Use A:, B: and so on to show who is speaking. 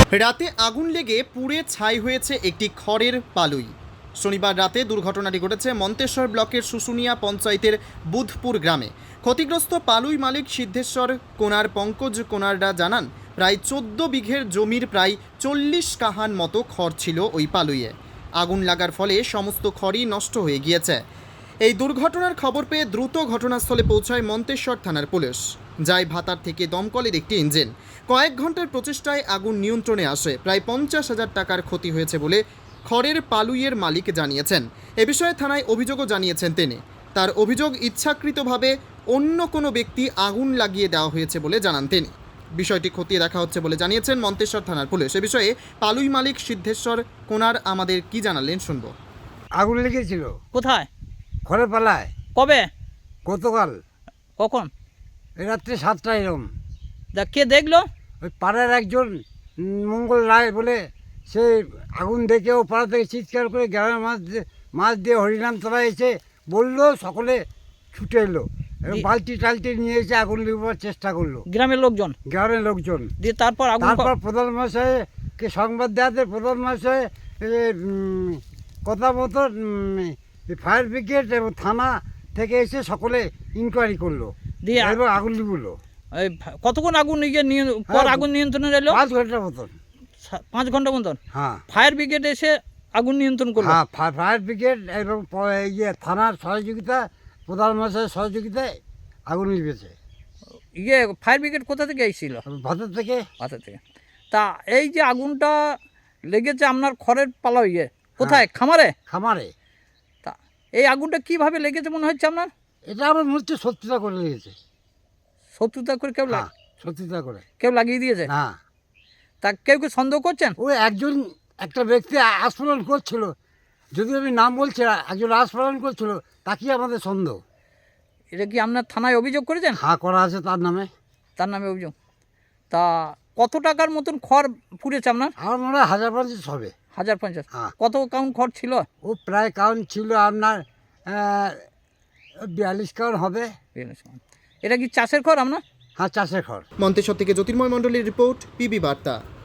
A: রাতে আগুন লেগে পুড়ে ছাই হয়েছে একটি খড়ের পালুই। শনিবার রাতে দুর্ঘটনাটি ঘটেছে মন্তেশ্বর ব্লকের শুশুনিয়া পঞ্চায়েতের বুধপুর গ্রামে। ক্ষতিগ্রস্ত পালুই মালিক সিদ্ধেশ্বর কোনার পঙ্কজ কোনাররা জানান, প্রায় 14 বিঘের জমির প্রায় 40 কাহান মতো খড় ছিল ওই পালুইয়ে। আগুন লাগার ফলে সমস্ত খড়ই নষ্ট হয়ে গিয়েছে। এই দুর্ঘটনার খবর পেয়ে দ্রুত ঘটনাস্থলে পৌঁছায় মন্তেশ্বর থানার পুলিশ। যায় ভাতার থেকে দমকলের একটি ইঞ্জিন। কয়েক ঘন্টার প্রচেষ্টায় আগুন নিয়ন্ত্রণে আসে। প্রায় 50,000 টাকার ক্ষতি হয়েছে বলে খড়ের পালুইয়ের মালিক জানিয়েছেন। এ বিষয়ে থানায় অভিযোগও জানিয়েছেন তিনি। তার অভিযোগ, ইচ্ছাকৃতভাবে অন্য কোনো ব্যক্তি আগুন লাগিয়ে দেওয়া হয়েছে বলে জানান তিনি। বিষয়টি খতিয়ে দেখা হচ্ছে বলে জানিয়েছেন মন্তেশ্বর থানার পুলিশ। এ বিষয়ে পালুই মালিক সিদ্ধেশ্বর কোনার আমাদের কি জানালেন শুনবো।
B: আগুন লেগেছিল
C: কোথায়?
B: খড়ের পালায়
C: কবে?
B: গতকাল
C: কখন?
B: রাত্রে 7টায় এরম।
C: কে দেখলো?
B: ওই পাড়ার একজন মঙ্গল রায় বলে, সে আগুন দেখে ও পাড়া থেকে চিৎকার করে গ্রামের মাছ দিয়ে হরিনাম তোলা এসে বললো, সকলে ছুটে এলো এবং বালতি টালতি নিয়ে এসে আগুন লিখবার চেষ্টা করলো
C: গ্রামের লোকজন
B: গ্রামের লোকজন।
C: দিয়ে তারপর
B: তারপর প্রধান মহাশয়কে সংবাদ দেওয়াতে প্রধান মহাশয় কথা মতো ফায়ার ব্রিগেড এবং থানা থেকে এসে সকলে ইনকোয়ারি করলো
C: দিয়ে
B: এবং আগুন লিখলো।
C: কতক্ষণ আগুন আগুন নিয়ন্ত্রণে এলো?
B: 5 ঘন্টার মতন।
C: 5 ঘন্টা মতন।
B: হ্যাঁ,
C: ফায়ার ব্রিগেড এসে আগুন নিয়ন্ত্রণ করলো।
B: হ্যাঁ, ফায়ার ব্রিগেড এবং থানার সহযোগিতা, প্রধান মহাশয়ের সহযোগিতায় আগুন লিখেছে।
C: ফায়ার ব্রিগেড কোথা থেকে এসেছিল?
B: ভাতার থেকে।
C: ভাতা থেকে। তা এই যে আগুনটা লেগেছে আপনার খড়ের পালা কোথায়? খামারে?
B: খামারে।
C: তা এই আগুনটা কিভাবে লেগেছে মনে হচ্ছে আপনার?
B: এটা আমার মনে হচ্ছে শত্রুতা করে লেগেছে।
C: শত্রুতা করে
B: হ্যাঁ, শত্রুতা করে
C: কেউ লাগিয়ে দিয়েছে?
B: হ্যাঁ।
C: তা কেউ সন্দেহ করছেন?
B: ওই একটা ব্যক্তি আস্ফোরণ করছিল, যদি আমি নাম বলছি, একজন আস্ফোরণ করছিল, তাকেই আমাদের সন্দেহ।
C: এটা কি আপনার থানায় অভিযোগ করেছেন?
B: হ্যাঁ, করা আছে তার নামে।
C: তার নামে অভিযোগ। তা কত টাকার মতন খড় পুড়েছে আপনার?
B: আমার মনে হয় 1050 হবে।
C: 1050?
B: হ্যাঁ।
C: কত কাউন্ট খড় ছিল?
B: ও প্রায় কাউন্ট ছিল আপনার 42 কাউন্ট হবে।
C: এটা কি চাষের খড় আপনার?
B: হ্যাঁ, চাষের খড়।
A: মন্তেশ্বর থেকে জ্যোতির্ময় মণ্ডলের রিপোর্ট, পিবি বার্তা।